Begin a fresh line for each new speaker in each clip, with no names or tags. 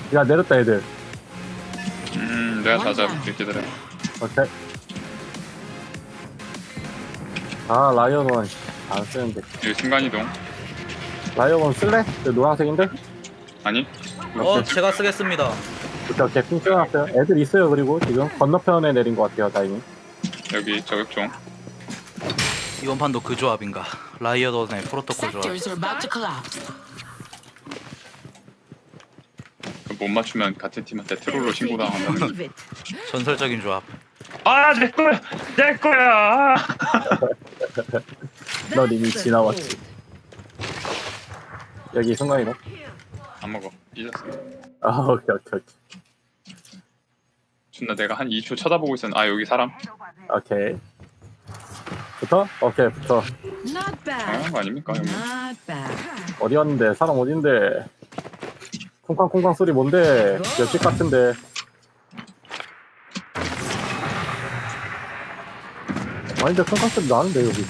야, 내렸다, 애들.
내가 다 잡을게 기다려.
오케이. 아, 라이언원. 안 쓰는데.
여기 순간이동.
라이언원 쓸래? 저 노란색인데?
아니?
제가 쓰겠습니다.
오케이, 핑 찍어놨어요. 애들 있어요, 그리고 지금. 건너편에 내린 것 같아요, 다행히.
여기 저격종.
이번 판도 그 조합인가? 라이어던의 프로토콜 조합.
Sectors are about to collapse.
못 맞추면 같은 팀한테 트롤로 신고당하면.
Leave it.
전설적인 조합.
아, 내 거야! 내 거야!
넌 이미 지나왔지. 여기 순간이동.
안 먹어. 잊었어.
아, 오케이, 오케이, 오케이.
존나 내가 한 2초 쳐다보고 있었는데, 아, 여기 사람?
오케이. 붙어? 오케이, 붙어.
Not bad.
거 아닙니까, 형님?
Not bad.
어디였는데? 사람 어딘데? 쿵쾅쿵쾅 소리 뭔데? 옆집 같은데. 아닌데, 쿵쾅 소리 나는데, 여기도.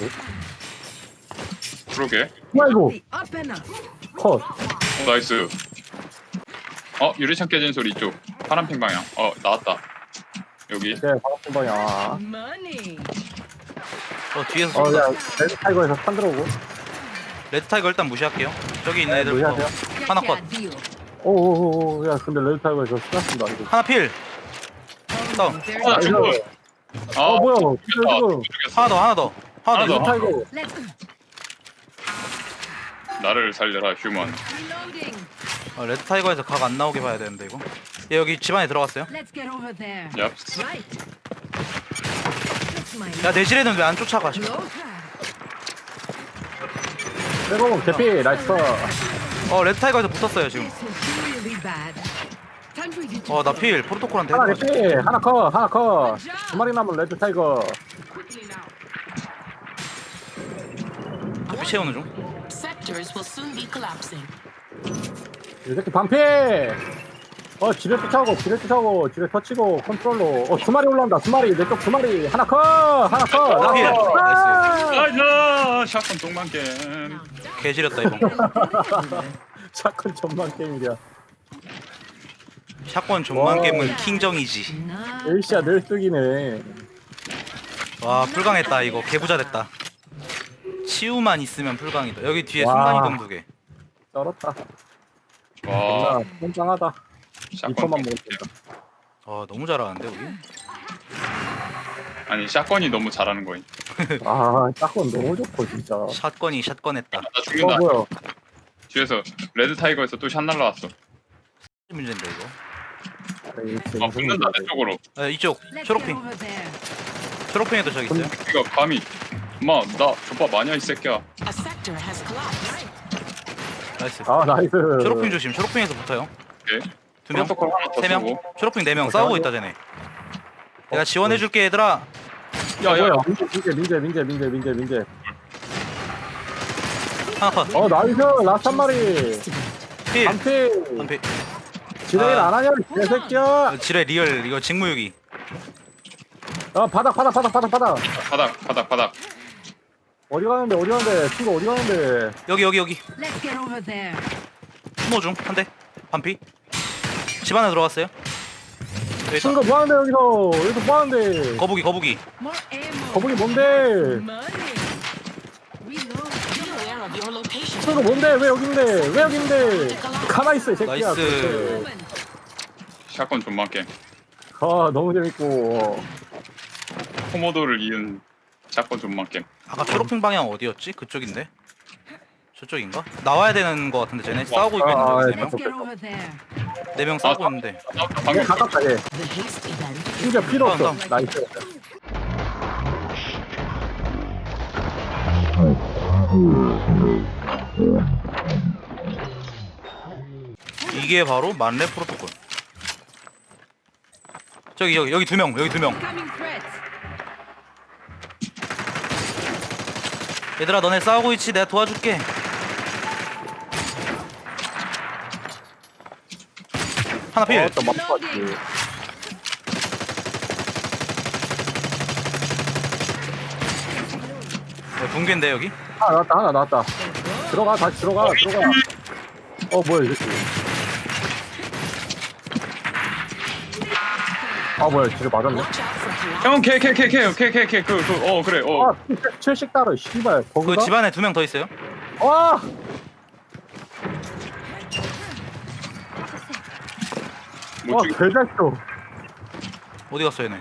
그러게.
아이고,
Up and up.
컷.
나이스. 유리창 깨진 소리 이쪽. 파란핑 방향. 나왔다. 여기.
네, 반갑은 방향.
Money.
뒤에서
야,
쏜다.
레드 타이거에서 탄 들어오고.
레드 타이거 일단 무시할게요. 저기 있는 애들부터.
네, 무시하세요.
하나 컷.
Deal.
오오오오, 야, 근데 레드 타이거에서 쓰났습니다, 이거.
하나 필. 다운.
There's
아, 죽어.
뭐야, 지금.
하나 더, 하나 더. 하나
하나
더.
더.
레드 타이거.
Let's go.
나를 살려라, 휴먼.
Reloading.
레드 타이거에서 각 안 나오게 봐야 되는데 이거. 얘 여기 집 안에 들어갔어요.
Let's get over there.
얍.
Right. That's my
야 내실에는 왜 안 쫓아가?
close.
빼고, 개피, 나이스.
레드 타이거에서 붙었어요 지금.
This is really bad. Time for you to
나 필. 프로토콜한테.
하나
해봐야지.
개피, 하나 컷, 하나 컷. 두 마리 남은 레드 타이거.
피 채우는 중.
Sectors will soon be collapsing.
이 새끼 반피! 지뢰 쫓아오고, 지뢰 터치고, 컨트롤로. 두 마리 올라온다, 두 마리. 내 쪽 두 마리. 하나 컷! 하나 컷!
하나 필.
나이스! 샷건 똥만 게임.
개지렸다 이번 거.
샷건 전망 게임이야.
샷건 존만
와.
게임은 킹정이지.
Not
엘시아 늘 뜨기네.
와 풀강했다 이거. 개부자 됐다. 치우만 있으면 풀강이다. 여기 뒤에
와.
순간이동 2개.
쩔었다.
와,
존나 꼼짱하다.
샷건
2초만
똥
먹으면
게임.
된다.
너무 잘하는데 우리.
아니, 샷건이 너무 잘하는 거임.
샷건 너무 좋고, 진짜.
샷건이 샷건했다.
나 죽인다.
뭐야.
뒤에서 레드 타이거에서 또 샷 날라왔어.
문제인데 이거.
에이, 지금
붙는다, 내 쪽으로.
이쪽
Let's get
초록핑.
over there.
초록핑에도 저기 있어요.
이거 감히. 엄마, 나 족밥 마냐, 이 새끼야.
A sector has collapsed.
나이스.
나이스.
초록핑 조심. 초록핑에서 붙어요.
오케이.
두 명,
프로토콜 하나 더
세 명.
쓰고.
초록핑 4명 싸우고 있다 쟤네. 내가 지원해줄게 얘들아.
야, 뭐야. 민재.
하나 컷.
나이스. 라스트 한 마리.
필.
반피.
한필.
지뢰일 안 하냐, 이 개새끼야.
지뢰 리얼 이거 직무유기.
바닥.
바닥.
어디 가는데? 친구 어디 가는데?
여기.
Let's get over there.
추모 중. 한 대. 반피. 집 안에 들어갔어요. 여기 있다.
친구 뭐 하는데, 여기서 뭐 하는데?
거북이.
More ammo.
거북이 뭔데?
Money. Reload. Be aware of your location.
친구 뭔데? 왜 여긴데? 가만히 있어, 이 새끼야.
나이스.
그렇지.
샷건 존만 게임.
너무 재밌고.
코모도를 이은 샷건 존만 게임.
아까 초록핑 방향 어디였지? 그쪽인데? 저쪽인가? 나와야 되는 거 같은데 쟤네 싸우고 있고 있는데
Let's get over there.
4명 싸우고 있는데.
방금
가깝다, 얘.
The haste event.
심지어 필요 없어.
다음.
나이스.
이게 바로 만레 프로토콜. 여기 2명.
Coming threats.
얘들아 너네 싸우고 있지? 내가 도와줄게. 하나 필.
또 맞춰봤지.
붕괴인데 여기?
하나 나왔다. 다시 들어가. 뭐야, 이 새끼. 아 뭐야 지뢰 맞았네.
Watch out for collapse.
형, 걔, 그래,
아 70 달러 씨발
그
거기가.
집안에 2명 더 있어요.
아
못 죽여.
개잘쇼.
어디 갔어 얘네?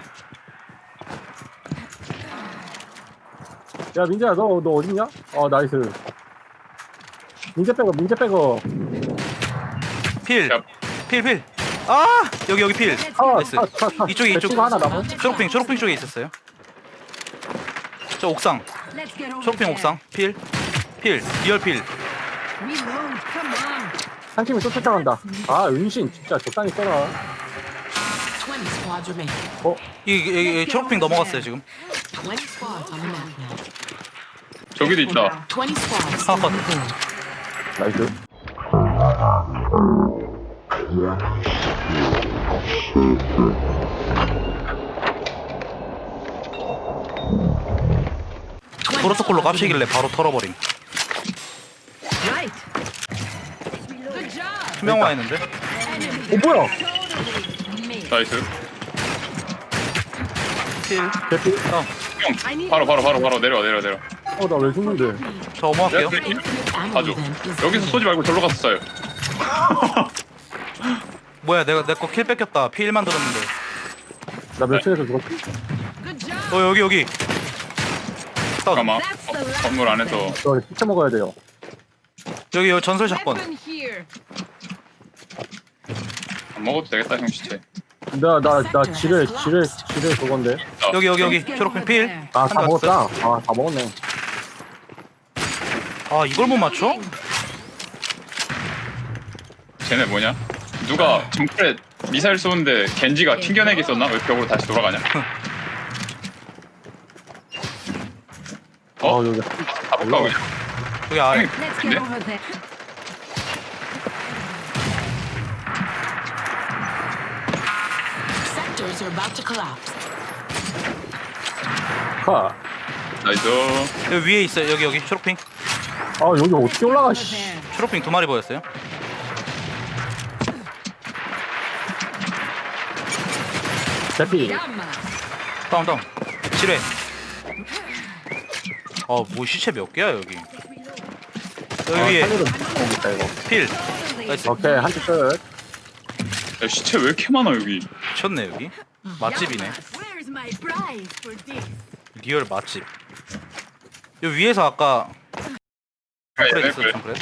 야 민재야 너 어딨냐? 나이스. 민재 빼고.
필.
야.
필. 아 여기 필. 나이스. 이쪽에, 이쪽.
배치가 하나 남아.
초록핑 쪽에 있었어요. 저 옥상. 초록핑 옥상. 필. 리얼 필.
한 팀이 또 쫓아간다. 아 은신 진짜 적당히 써라.
20 squads remain.
이 초록핑 넘어갔어요 지금.
20 squads on the map now.
저기도 있다.
20 squads.
하나 컷.
나이스.
프로토콜로 깝치길래 바로 털어버림. 투명화했는데?
뭐야?
나이스.
필.
개피?
형, 바로 내려.
나 왜 죽는데?
저 어머할게요.
봐줘. 여기서 쏘지 말고 절로 가서 쏴요.
뭐야 내 거 킬 뺏겼다. 필 만들었는데.
나 몇 층에서 죽었지?
여기. 다운.
잠깐만. 건물 안에서.
저 시체 먹어야 돼요.
여기 전설 샷건.
안 먹어도 되겠다, 형 시체.
나 지뢰 그건데.
여기 초록핑 필.
다
하나
먹었다. 다 먹었네.
아 이걸 못 맞춰?
쟤네 뭐냐? 누가 정글에 미사일 쏘는데 겐지가 튕겨내기 썼나? 왜 벽으로 다시 돌아가냐?
여기.
가볼까 그냥?
여기 아래.
근데?
Sectors are about to collapse.
카.
나이스.
여기 위에 있어요. 여기 초록핑.
여기 어떻게 올라가? 씨.
초록핑 2마리 보였어요.
개피.
다운. 지뢰. 뭐 시체 몇 개야 여기? 여기 위에
살리러 먹겠다 이거.
필. 나이스.
오케이 한팀 끝.
야, 시체 왜 이렇게 많아 여기?
미쳤네 여기. 맛집이네.
Where's my prize for this?
리얼 맛집. 여기 위에서 아까 그래
얘네
있어
그래.
그래.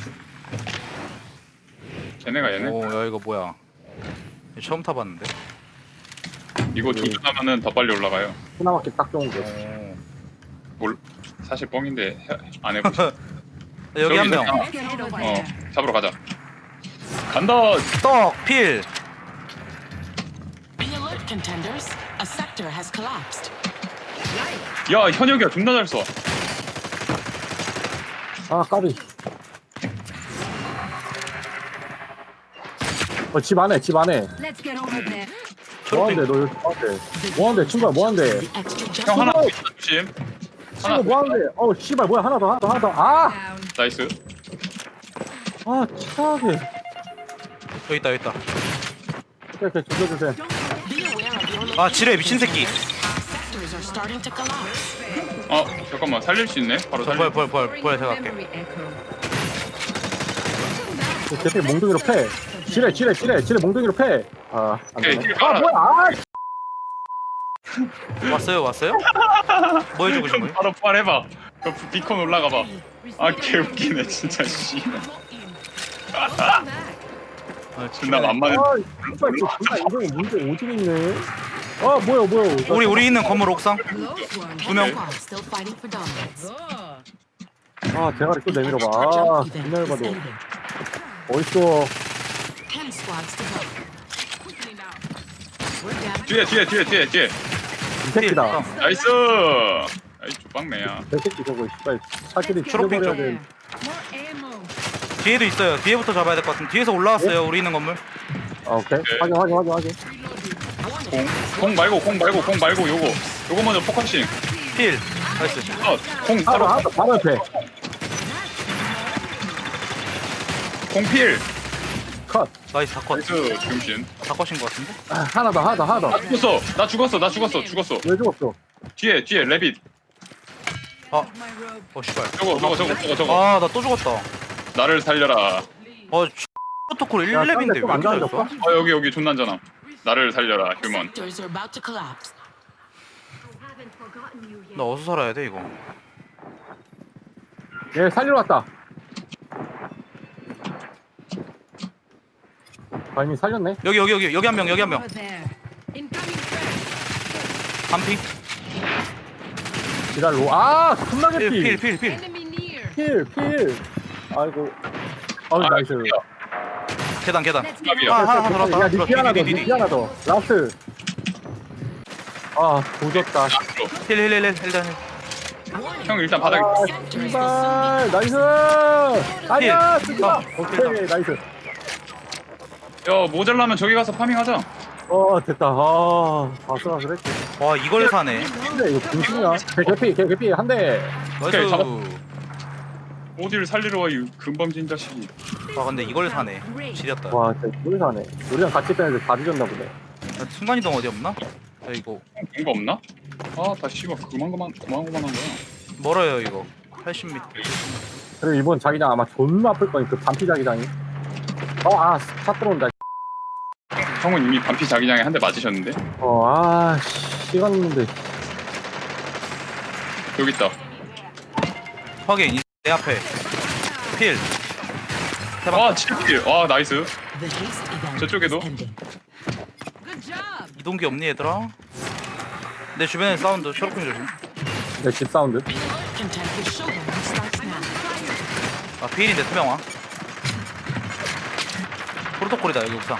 쟤네가 얘네.
오야 이거 뭐야? 이거 처음 타봤는데.
이거 조준하면은 더 빨리 올라가요.
하나밖에 딱 좋은 게.
뭘? 사실 뻥인데 안 해보자.
여기 한 명.
Let's get over there.
잡으러 가자. 간다.
떡 필.
Be alert, contenders. A sector has collapsed.
야, 현역이야 존나 잘 쏴.
까비. 집 안에.
Let's get over there.
뭐하는데 너 여기 뭐하는데 친구야 뭐하는데?
The extra just
형 하나 더 있다 조심. 하나
친구 뭐하는데? 씨발 뭐야 하나 더.
Down.
나이스.
치사하게.
여기 있다.
오케이 죽여주세요.
be aware of your
아 지뢰 미친 새끼.
sectors are starting to collapse.
잠깐만 살릴 수 있네. 바로 살릴.
벌 제가 할게.
Memory echo.
대피 몽둥이로 패. 지뢰 몽둥이로 패. 안
오케이,
되네.
깔아.
뭐야?
왔어요? 뭐 해주고 싶은 거예요?
바로 부활해봐. 그 비콘 올라가봐. 개웃기네 진짜 씨. 존나 만만해.
씨발 존나 이거 문제 오진 있네. 뭐야?
우리 있는 건물 옥상.
Close one.
2명.
Squad still fighting for dominance.
대가리 또 내밀어봐.
Jump event
존나
is
해봐도
ending.
어딨어?
10 squads to go. We're down.
뒤에.
이 새끼다.
나이스. 아이 주방매야.
저 새끼 저거 씨발 사기를
초록빛
죽여버려야
쪽.
돼.
More ammo.
뒤에도 있어요. 뒤에부터 잡아야 될 것 같은데. 뒤에서 올라왔어요. 우리 있는 건물.
오케이.
오케이.
확인.
공 말고 요거 먼저 포커싱.
필. 나이스.
공
바로
바로
바로 옆에.
공필.
컷.
나이스 다컷.
나이스 병신.
다컷인 것 같은데?
아, 하나 더 하나 더 하나 더.
나 죽었어.
왜 죽었어?
뒤에 레빗.
My robe.
씨발.
저거.
아 나 또 죽었다.
나를 살려라.
프로토콜
야,
1렙인데 왜
안
이렇게
좋아졌어?
잘했어?
여기 존나 안전함. 나를 살려라 휴먼.
Sectors are about to collapse.
나 어디서 살아야 돼 이거?
얘 살리러 왔다. 아, 이미 살렸네.
여기 한 명.
Over there. Incoming threat.
반피.
지랄로. 아, 겁나게 피.
필.
Enemy near.
필. 아이고. 아우, 나이스.
계단.
Let's get
야,
하나 들어왔다.
야, 니피 하나 더,
디디디디.
니피 하나 더. 라스트. 아, 도졌다.
힐 일단
형 일단 바닥에.
아, 씨발. 나이스. 아니야, 쓰지 마.
어,
오케이, 나이스.
야 모자라면 저기 가서 파밍하자.
됐다. 아슬아슬했지.
와 이걸 사네.
근데 이거 중심이야. 개피 한 대.
오케이,
나이스.
어디를 살리러 와 이 금방진 자식이.
근데 이걸 사네. 지렸다.
와, 진짜 뭘 사네. 우리랑 같이 있던 애들 다 뒤졌나 보네.
야, 순간이동 어디 없나? 야, 이거
뭔가 없나? 다 씨발 그만한 거야.
멀어요 이거. 80m.
그리고 이번 자기장 아마 존나 아플 거니, 그 반피 자기장이. 차 들어온다.
형은 이미 반피 자기장에 한 대 맞으셨는데.
시간 있는데.
여기 있다.
확인. 내 앞에. 필.
7킬. 나이스.
The haste event
저쪽에도?
is ending.
Good job.
이동기 없니 얘들아? 내 주변에 사운드. 초록핑 조심.
내 집 사운드.
Contact the showroom starts now.
필인데 투명화. 프로토콜이다 여기 옥상.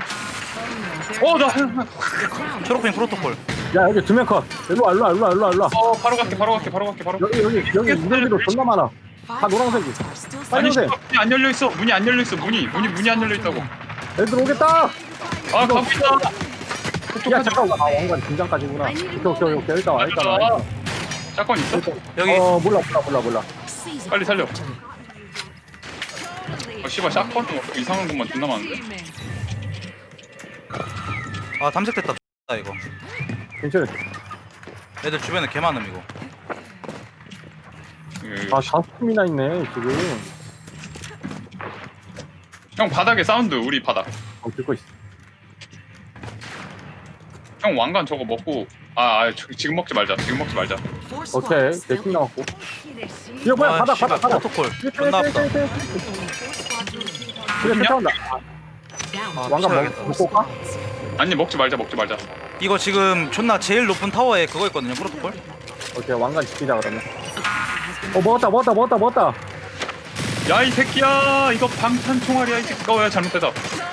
나.
초록핑 프로토콜.
야, 여기 두명 컷. 일로 와.
바로 갈게.
여기 인형들도 존나 많아. 다 노란색이.
Are still
빨리 오세요.
문이 안 열려 있어. 문이 안 열려 있다고.
애들 오겠다.
가고 있다.
야, 잠깐. 왕관 긴장까지구나. 오케이. 일단 와.
짝건 있어?
여기
몰라.
seize
빨리 살려.
victory.
씨발 샷건은 이상한 것만 존나 많은데.
Teammate.
탐색됐다 이거.
괜찮아.
애들 주변에 개 많음 이거.
다섯 팀이나 있네, 지금.
형 바닥에 사운드 우리 바닥.
듣고 있어.
형 왕관 저거 먹고 지금 먹지 말자.
Four
오케이.
squads
내
still
팀 남았고.
This
이거 뭐야, 바닥.
씨발, 프로토콜. 존나 아프다.
그래,
어디냐?
쫓아온다.
down.
왕관
피해야겠다.
먹고 올까?
아니 먹지 말자.
이거 지금 존나 제일 높은 타워에 그거 있거든요 프로토콜.
오케이, 왕관 지키자, 그러면. 먹었다.
야 이 새끼야 이거 방탄 총알이야 이 새끼가. 야 잘못됐다.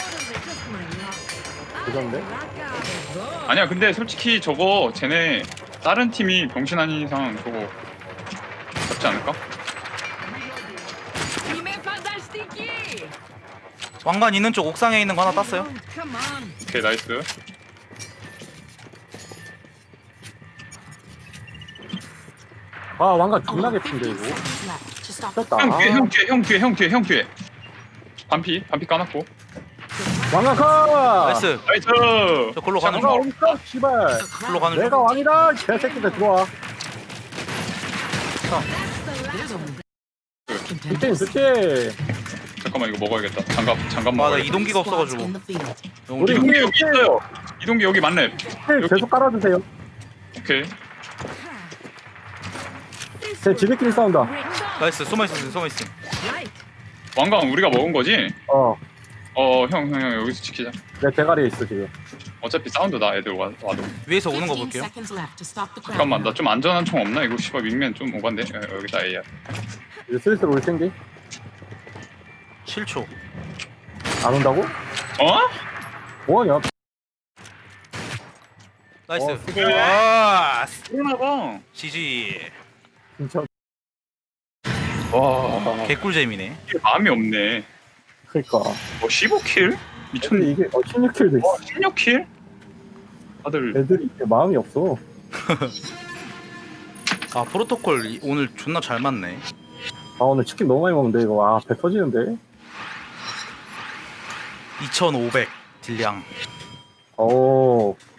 그건데?
아니야 근데 솔직히 저거 쟤네 다른 팀이 병신 아닌 이상 저거 잡지 않을까?
Teammate fantastici.
왕관 있는 쪽 옥상에 있는 거 하나 땄어요.
Come on.
오케이 나이스.
왕관 존나
Only
개핀데,
15
이거.
seconds left to stop the
떴다.
형 뒤에. 반피 까놨고.
왕관 컷!
나이스.
나이스.
저 골로 가는
내가
중.
어딨어, 씨발.
골로 가는
내가
중.
왕이다, 개새끼들 들어와.
contenders.
그치.
잠깐만 이거 먹어야겠다. 장갑
나
먹어야겠다.
이동기가
Squads
없어가지고.
in the field.
우리
이동기 여기 있어요. 이동기 여기 맞네.
힐 계속 깔아주세요.
오케이.
제 지들끼리 싸운다.
나이스. 숨어있음.
Right.
왕관 우리가 먹은 거지?
형,
형 여기서 지키자.
내 대가리에 있어, 지금.
어차피 사운드다 애들 와도.
위에서 오는 거
15
볼게요.
seconds left to stop the crowd.
잠깐만 나 좀 안전한 총 없나? 이거 씨발 윙맨 좀 오반데. 여기다 AR.
이제 슬슬 올 텐데.
7초.
안 온다고? 뭐하냐?
나이스.
수고.
그러나봐.
GG.
진짜.
와.
개꿀잼이네.
이게 마음이 없네.
그니까.
15킬? 미쳤네.
근데 이게 16킬도 있어.
16킬? 다들
애들이 이게 마음이 없어.
프로토콜 오늘 존나 잘 맞네.
오늘 치킨 너무 많이 먹는데 이거 배 터지는데.
2500 딜량.
오